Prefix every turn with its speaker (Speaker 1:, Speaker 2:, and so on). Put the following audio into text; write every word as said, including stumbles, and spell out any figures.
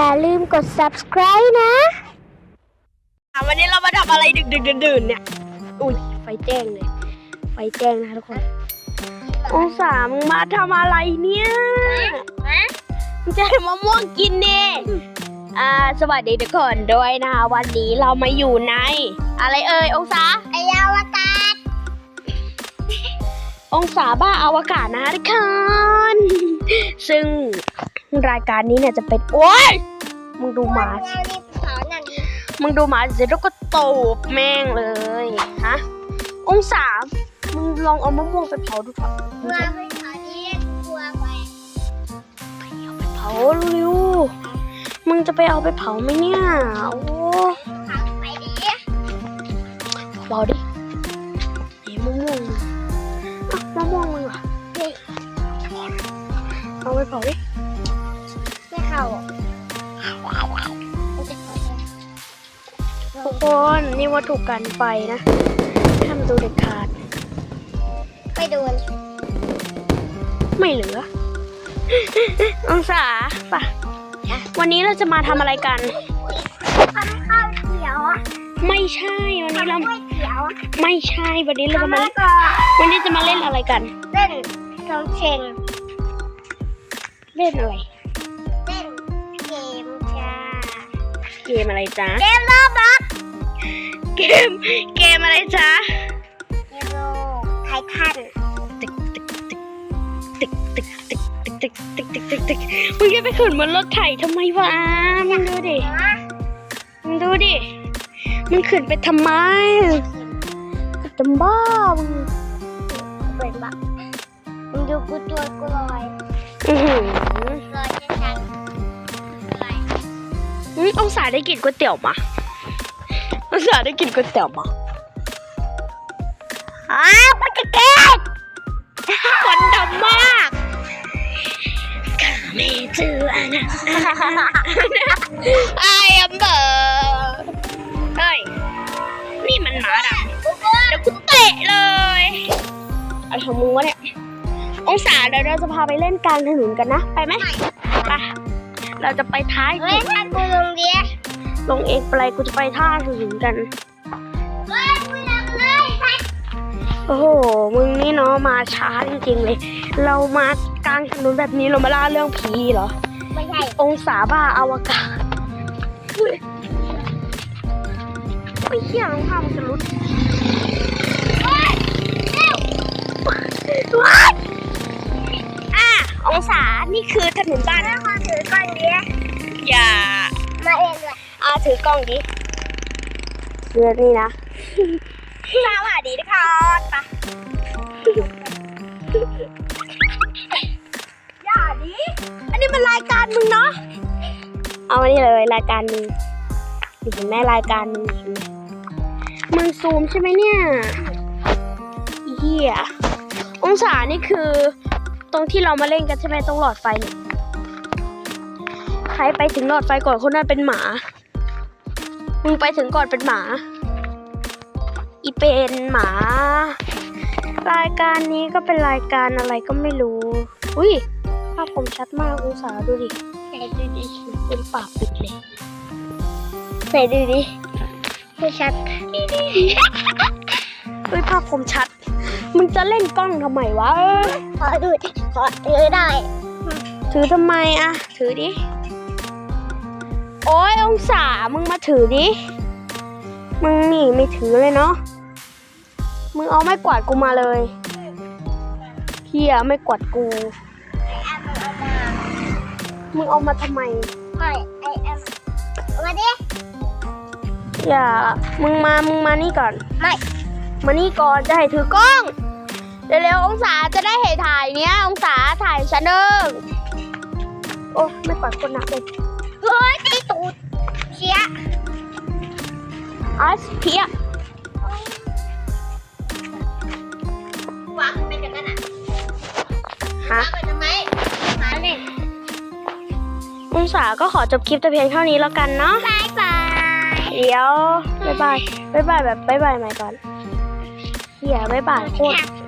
Speaker 1: อย่าลืมกด ซับสไครบ์ นะ
Speaker 2: วันนี้เรามาทำอะไรดึกดึกดื่นๆเนี่ยอุ้ยไฟแจ้งเลยไฟแจ้งนะทุกคนองศามึงมาทำอะไรเนี่ยมึงจะให้มะม่วงกินดิอ่าสวัสดีทุกคนด้วยนะวันนี้เรามาอยู่ในอะไรเอ่ยองศา
Speaker 1: ไอ้อวกาศ
Speaker 2: องศาบ้าอวกาศนะทุกคนซึ่งรายการนี้เนี่ยจะเป็นโอ๊ยมึงดูหมาสิมึงดูหมาสิแล้วก็ตบแม่งเลยฮะองศามึงลองเอามะม่วงไปเผาดูก่อนมึงจะ
Speaker 1: ไปเผาที่ครัวไป
Speaker 2: เผาเร็วมึงจะไปเอาไปเผาไหมเนี่ยโอ้
Speaker 1: เผาไปดิ
Speaker 2: เบาดิเฮ้ยมะม่วงอ่ะมะม่วงมึงอ่ะเอาไปเผาดิ
Speaker 1: ไม่เข้า
Speaker 2: ทุกคนนี่วัตถุกันไฟนะห้ามดูเด็ดขาด
Speaker 1: ไปโดน
Speaker 2: ไม่เหลือ องศาป่ะวันนี้เราจะมาทำอะไรกัน
Speaker 1: ทำข้าวเขียวอ่ะ
Speaker 2: ไม่ใช่วันนี้เรา
Speaker 1: ไม่เขียวอ่ะ
Speaker 2: ไม่ใช่วันนี้เราจะ
Speaker 1: ทำ
Speaker 2: มา
Speaker 1: แล้วก็
Speaker 2: วันนี้จะมาเล่นอะไรกัน
Speaker 1: เล่นทองเชง
Speaker 2: เล่นอะไร
Speaker 1: เล่นเกมจ้า
Speaker 2: เกมอะไรจ๊ะ
Speaker 1: เกมโลบัค
Speaker 2: เกมเกมอะไรจ๊ะ
Speaker 1: เกมโลไททัน
Speaker 2: ตึกตึกตึกตึกตึกตึกตึกตึกตึกตึกตึกตึกมึงจะไปขึ้นบนรถไถทำไมวะมึงดูดิมึงดูดิมึงขึ้นไปทำไมก็จะบ้ามึง
Speaker 1: เป็นบักมึงดูกูตัวกูลอย
Speaker 2: อือหือ
Speaker 1: ลอยช้าๆลอย
Speaker 2: อืมองศาได้กินก๋วยเตี๋ยวมาองศาได้กินก๋วยเตี๋ยวมา
Speaker 1: อ้าวปากกาเกต
Speaker 2: ควันดำมากข้าไม่เจอนะไอ้อมเบอร์เฮ้ยนี่มันหมาดำเดี๋ยวกูเตะเลยอะไรของมึงวะเนี่ยองศาเดี๋ยวเราจะพาไปเล่นกลางถนนกันนะไปไหมไปเราจะไปท้าย
Speaker 1: เฮ้ยถ้ากูลงเดีย
Speaker 2: ลงเองไปเลยกูจะไปท่าถนนกัน
Speaker 1: เฮ้ยกูลงเลยไป
Speaker 2: โอ้โห มึงนี่เนาะมาช้าจริงๆเลย เรามากลางถนนแบบนี้เรามาล่าเรื่องผีเหรอ
Speaker 1: ไม่ใช่
Speaker 2: องศาบ้าอวกาศอุ้ยไม่เชี่ยรองเท้ามันจะรุด
Speaker 1: เฮ้ยเร็ว
Speaker 2: ว้ายอ่ะองศา นี่คือถนนบ้าน
Speaker 1: แล้วขอถือก่อนเดีย
Speaker 2: อย่า
Speaker 1: มาเองเลย
Speaker 2: เอาถือกล้องดิเรือนี่นะ สวัสดีทุกคนไปอย่าดิ อันนี้มันรายการมึงเนาะ เอาอันนี้เลยรายการมึงเห็นไหมรายการมึงเห็นไหมมึงซูมใช่ไหมเนี่ยอีเหี้ยองศานี่คือ ตรงที่เรามาเล่นกันใช่ไหมตรงหลอดไฟเนี่ยใครไปถึงหลอดไฟก่อนคนนั้นเป็นหมา มึงไปถึงก่อนเป็นหมา อีเป็นหมา รายการนี้ก็เป็นรายการอะไรก็ไม่รู้ อุ้ยภาพคมชัดมากองศาดูดิ
Speaker 1: ไหนดูดิ
Speaker 2: เป็นปากปิดเลย
Speaker 1: ไหนดูดิไม่ชัด
Speaker 2: อุ้ยภาพคมชัด มึงจะเล่นกล้องทำไมวะ
Speaker 1: ขอดูดิขอถือได้
Speaker 2: ถือทำไมอะถือดิ โอ้ยองศา มึงมาถือดิ มึงนี่ไม่ถือเลยเนาะ มึงเอาไม้กวาดกูมาเลยเฮียไม่กวาดกู มึงเอามาทำไม
Speaker 1: ไม่ไอแอมมาดิ
Speaker 2: อย่า มึงมา มึงมานี่ก่อน
Speaker 1: ไม่
Speaker 2: มานี่ก่อนจะให้ถือกล้อง เร็วๆองศาจะได้เห็นถ่ายเนี้ย องศาถ่ายฉันเด้งโอ้ไม่กวาดคนหนักเลย
Speaker 1: เฮ้ยตีตูดเชีย
Speaker 2: อัสเพียว
Speaker 1: างเป็นกันนั่นอ่ะ
Speaker 2: ฮะ
Speaker 1: เอาไปทำไมหาเล่น
Speaker 2: องศาก็ขอจบคลิปแต่เพียงเท่านี้แล้วกันเนาะ
Speaker 1: บายบาย
Speaker 2: เดี๋ยว บ๊ายบาย บ๊ายบายแบบบ๊ายบายใหม่ก่อนเฮียบ๊ายบายโคตร